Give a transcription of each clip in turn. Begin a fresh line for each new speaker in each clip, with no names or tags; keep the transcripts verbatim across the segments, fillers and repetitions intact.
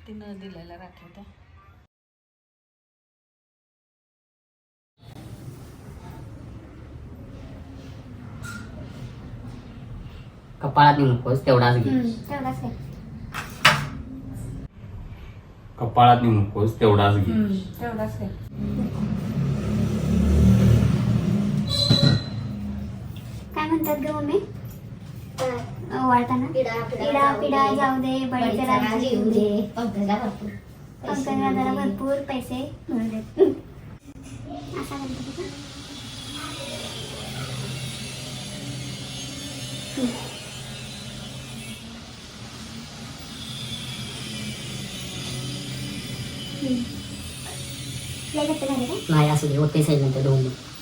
तिनं दिलेला राखी त्या
कपाळात नकोस तेवढाच घे.
तेवढाच आहे.
कपाळात नकोस तेवढाच घे.
तेवढाच आहे.
काय म्हणतात ग मम्मी ओवाळताना? पिढा पिढा जाऊ दे, बळीचं राज्य येऊ दे, पंकजला भरपूर पैसे मिळू देत. असा म्हणतो का?
नाही असू दे होते साईड नंतर दोन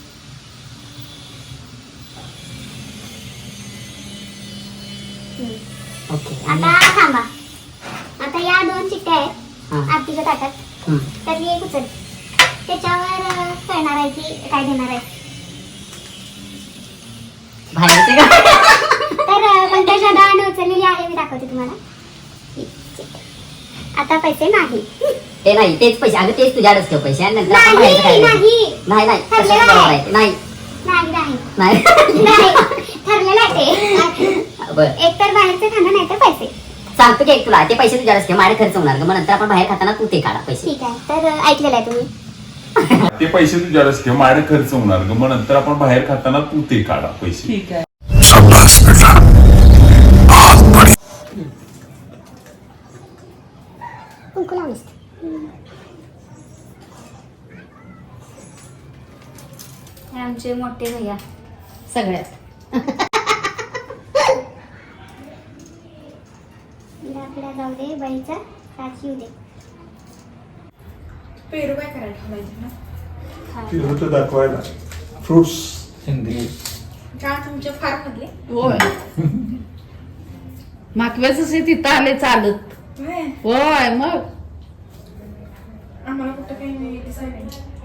ओके.
आता थांबा. आता या दोन चिठ्ठ्या आहेत आरतीच्या ताटात. त्यातली एक उचल. त्याच्यावर कळणार आहे की काय देणार आहे.
बाहेरचे का
तर पंकजा दाने उचललेली आहे, मी दाखवते तुम्हाला. आता पैसे नाही.
ते नाही तेच पैसे अगं तेच तुझ्याकडेच ठेव पैसे आणि नंतर आपण
नाही
बाहेरचं काय
नाही
नाही नाही
ठरलेलं
तसंच बरोबर
आहे.
आहे. नाही
नाही नाही
नाही
नाही ठरलेलं आहे ते.
बरं
एक तर बाहेरचं खाणं नाही तर पैसे.
सांगतो की एक तुला ते पैसे तुझ्याकडेच ठेव माझ्याकडे खर्च होणार ग मग नंतर आपण बाहेर खाताना तू ते काढा पैसे.
ठीक आहे. तर ऐकलेलं आहे तुम्ही.
ते पैसे तुझ्यावरच ठेव माझ्याकडे खर्च होणार ग मग नंतर आपण बाहेर खाताना तू ते काढा पैसे.
ठीक आहे.
कुंकू लावलीस. हे आमचे मोठे भैया
सगळ्यात
पिढा जाऊ दे, बळीचा राज येऊ दे.
पेरू काय करायला ठेवायचं ना
फिरवत दाखवायला फ्रुट्स हिंदी
का तुमच्या फार मधले
होय मागव्याच तिथं आले चालत. होय मग
आम्हाला कुठं काही नाही दिसायला.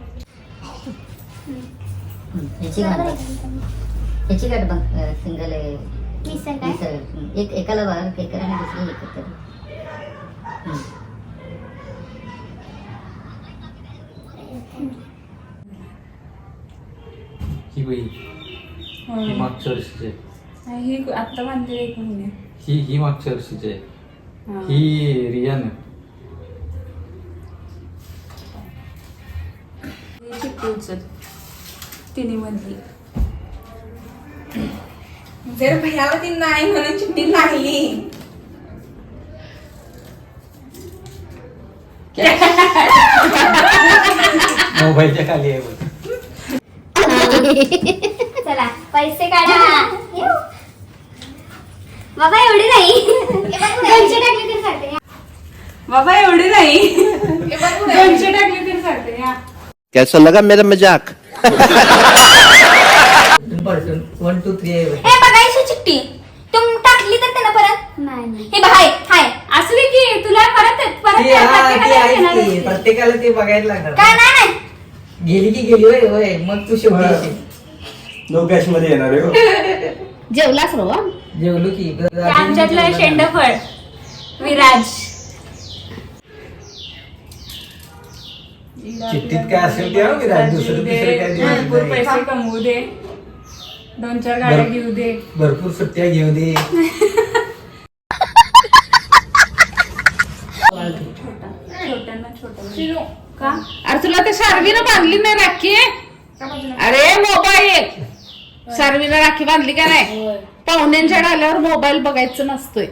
ह्याची गाठ ह्याची गाठ बघ सिंगल
मिसळ काय
एक एकाला बघ एकाला आणि दुसरी एकत्र.
ही बाई ही मागच्या वर्षीची आहे.
ही आत्ता बांधलेली एक मुली.
ही ही मागच्या वर्षीची आहे. ही रियान आहे.
चिठ्ठी उचल तिन्ही मधली. जर भैयाला ती नाही म्हणून चिठ्ठी नाही
मोबाईलच्या खाली आहे बघ.
चला पैसे काढा. बाबा एवढे नाही. दोनशे टाकले तरी चालते.
बाबा एवढे नाही दोनशे टाकले तरी चालते.
कैसा लगा मेरा मजाक?
वन टू थ्री आहे
हे बघायची चिठ्ठी तुम टाकली तर त्यांना परत नाही. हे बघाय हाय असली की तुला परत परत
की प्रत्येकाला ते बघायला लागणार.
काय नाही नाही
गेली की गेली होय होय मग तू शेवटी
नो कॅश मध्ये येणार आहे हो.
जेवलास रो
जेवलो की
आमच्यातलं शेंडफळ विराज.
चिठ्ठीत काय असेल ते आम्ही राज दुसरं दुसरं काय देऊ
भरपूर
नाही.
पैसे कमवू दे, दोन चार गाड्या घेऊ दे,
भरपूर सुट्ट्या घेऊ दे.
छोट्यांना छोट्या का
अरे तुला ते सारवीनं बांधली नाही राखी. अरे मोबाईल सारवीनं राखी बांधली का नाही. पाहुण्यांच्या आल्यावर मोबाईल बघायचं नसतोय.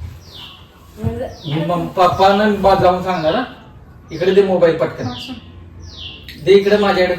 पप्पानं जाऊन सांगा ना इकडे दे मोबाईल पटकन दे इकडे माझ्याकडे.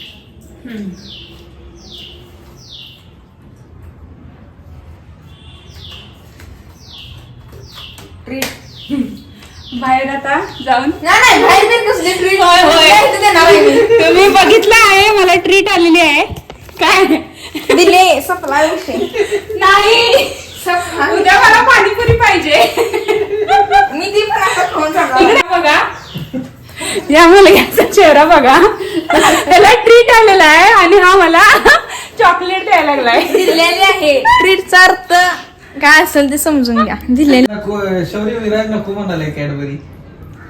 ट्रीट बाहेर आता जाऊन
नाही बाहेर कसली ट्रीट. होय होय तुम्ही बघितलं आहे मला ट्रीट आलेली आहे. काय
दिले सपला नाही. उद्या मला पाणीपुरी पाहिजे. मी ती पण आता खाऊन इकडे बघा या मुलग्याचा चेहरा बघा. त्याला ट्रीट आलेला आहे आणि हा मला चॉकलेट द्यायला लागलाय. दिलेली आहे. ट्रीटचा अर्थ काय असेल ते समजून घ्या. दिलेली
नको शौर्य विराज नको म्हणाले कॅडबरी.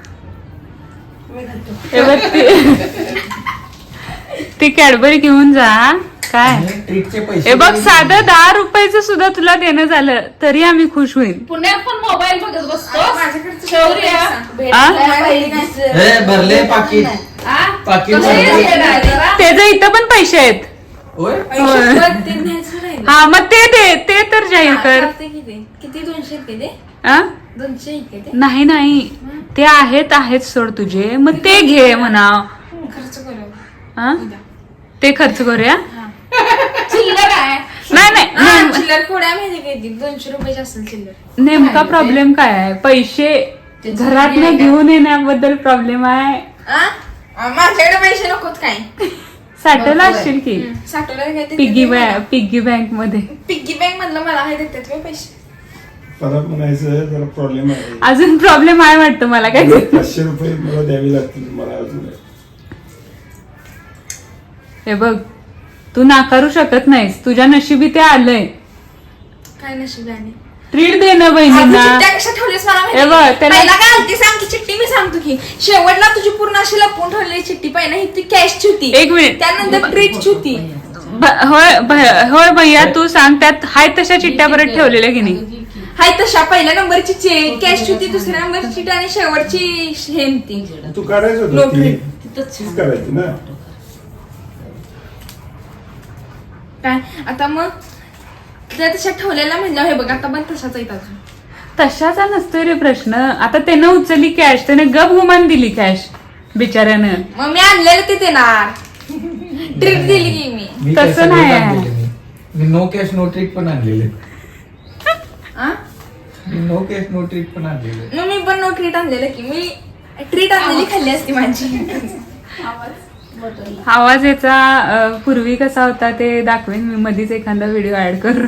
हे बघ ती- ती कॅडबरी घेऊन जा काय
ट्रीटचे पैसे
हे बघ साधं दहा रुपयाचं सुद्धा तुला देणं झालं तरी आम्ही खुश होईल.
पुण्यात पण मोबाईल बघत बसतो
आ?
हे भरले पाकिट पाकिट भरले.
त्याचं इथं पण पैसे आहेत.
होय
हा मग ते दे ते तर जाहीर कर.
किती दोनशे किती
आ?
दोनशे किती
नाही नाही ते आहेत आहेत सोड तुझे मग ते घे म्हणा.
खर्च करू
हा? ते खर्च करूया.
चिल्लर आहे
नाही नाही नेम-
चिल्लर थोड्या माहिती किती दोनशे रुपयाची असेल चिल्लर.
नेमका प्रॉब्लेम काय आहे पैसे घरात घेऊन येण्याबद्दल प्रॉब्लेम आहे.
माझ्याकडे पैसे नकोत काय
साठवला असशील की
साठवलं काय
पिग्गी बँक पिग्गी बँक मध्ये
पिग्गी बँक मधलं मला हे देतात काय पैसे.
परत म्हणायचं जरा प्रॉब्लेम आहे.
अजून प्रॉब्लेम आहे वाटतं मला काय.
पाचशे रुपये मला द्यावी लागतील मला अजून.
हे बघ तू नाकारू शकत नाहीस तुझ्या नशिबी ते आलंय.
काय नशीब आहे
ट्रीट दे ना बहिणींना.
चिट्ट्या कशा ठेवलीस मला
हे बघ,
माहिती
त्याला-
पहिला काय आलती सांग की चिठ्ठी मी सांगतो की शेवटला तुझी पूर्ण अशी लपवून ठेवलेली चिठ्ठी पहिला ही ती कॅशची होती
एक मिनिट.
त्यानंतर ट्रीटची होती.
ब- होय भ- होय भैया तू सांग त्यात हाय तशा चिट्ट्या परत ठेवलेल्या की नाही.
हाय तशा पहिल्या नंबरची कॅश होती दुसऱ्या नंबरची चिठ्ठी आणि शेवटची हे होती
तू काढायचं होतं
लोक
ती.
तिथंच.
तीच करायची ना.
काय आता मग त्या तशा ठेवलेल्या म्हणलं हे बघ आता पण तशाच आहेत अजून.
तशाचा नसतोय रे प्रश्न. आता त्यानं उचलली कॅश त्याने गप गुमान दिली कॅश बिचाऱ्यानं.
मग मी आणलेलं ते देणार ट्रीट दिली की मी.
मी
तसं
काय सगळं
नाही.
आणलेलं मी. मी नो कॅश नो ट्रीट पण आणलेले.
आ?
मी नो कॅश नो ट्रीट पण आणलेले.
मग मी पण नो ट्रीट आणलेलं की मी ट्रीट आणलेली खाल्ली असती माझी.
आवाज याचा अं, पूर्वी कसा होता ते दाखवेन मी मधीच एखादा व्हिडिओ ऍड करून.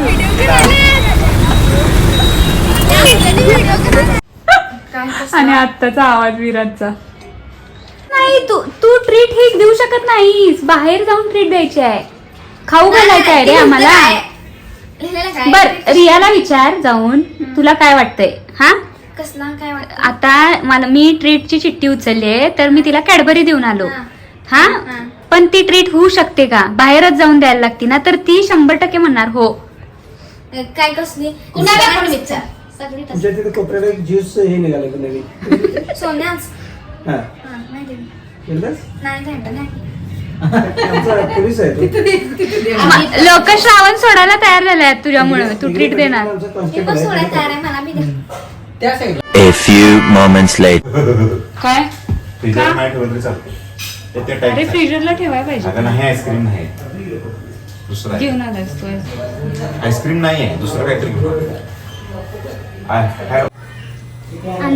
आणि आत्ताचा आवाज विराटचा.
नाही तू तू ट्रीट ही देऊ शकत नाहीस. बाहेर जाऊन ट्रीट द्यायची आहे. खाऊ घालायचं आहे रे आम्हाला. बर रियाला विचार जाऊन तुला काय वाटतंय. हा
कसला काय वाटत
आता मला मी ट्रीटची चिठ्ठी उचलली आहे तर मी तिला कॅडबरी देऊन आलो. हा पण ती ट्रीट होऊ शकते का. बाहेरच जाऊन द्यायला लागते ना तर ती शंभर टक्के म्हणणार हो.
काय कसली
कुणाला पण विचार.
सगळी
तुमच्या तिथे कोपऱ्याला एक ज्यूस हे निघालं का नवीन.
सोन्याच
हा
नाही दिली.
केलंस?
नाही झालं नाही
आमचा पोलीस आहे तो.
लोक श्रावण सोडायला तयार झाले आहेत तुझ्यामुळे. तू ट्रीट देणार.
आमचा
मी
कॉन्स्टेबल
पण
आहे.
सोडायला तयार आहे मला बी द्या.
त्या side
A few moments later.
काय
फ्रीजर नाही ठेवलं तरी चालतं. ते त्या
अरे
टाईप
फ्रीजरला ठेवायला पाहिजे.
आता नाही आईस्क्रीम नाही दुसरं आहे.
घेऊन आलास तू.
आईस्क्रीम नाही आहे दुसरं काहीतरी घेऊ. आय हॅव
आणू.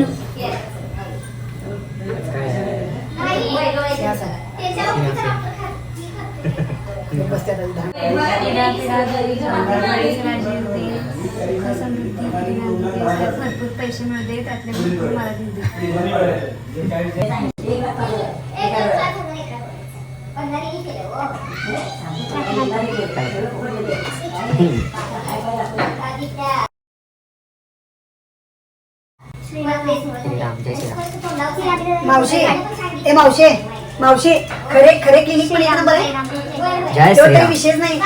भरपूर पैसे मिळते त्यातले भरपूर मला
मावशी ए मावशे मावशी खरे खरे क्लिनिक पण या ना बरं.
जय
तो काही
श्रीराम.
विषयच नाही.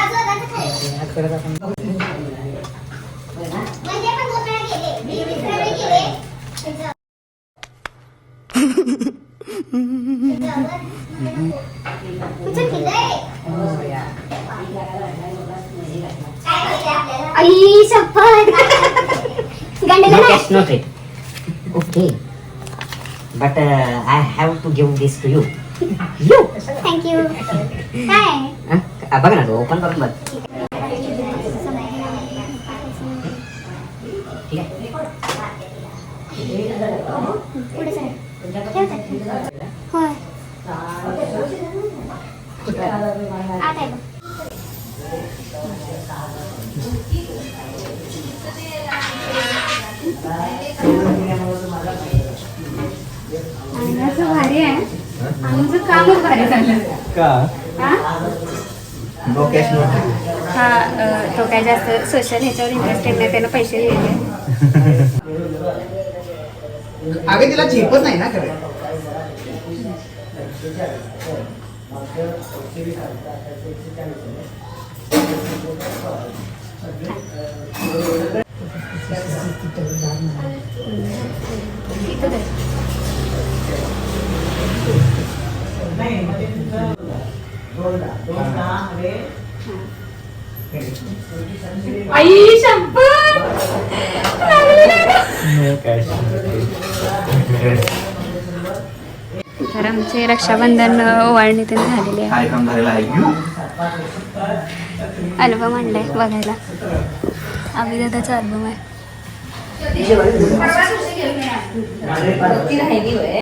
आई शपथ.
No cash, no trade. Okay. But uh, I have to give this to you. You.
Thank you. काय
हा? बघ ना तू ओपन करून बघ. ठीक आहे.
पुढे सर. होय आत आहे बघ.
भारी आहे आमचं कामच भारी झालं.
का
हा?
No cash no treat.
हा अ, तो काय जास्त सोशल ह्याच्यावर इंटरेस्टेड नाही. त्यानं पैसे दिले.
अगं तिला झेपत नाही ना खरं.
आई शपथ
नो कॅश
तर आमचे रक्षाबंधन ओवाळणी ते झालेले आहे.
काय काम झालेलं आहे
अल्बम आणलाय बघायला. आम्ही दादाचा अल्बम आहे.
ती राहिली होय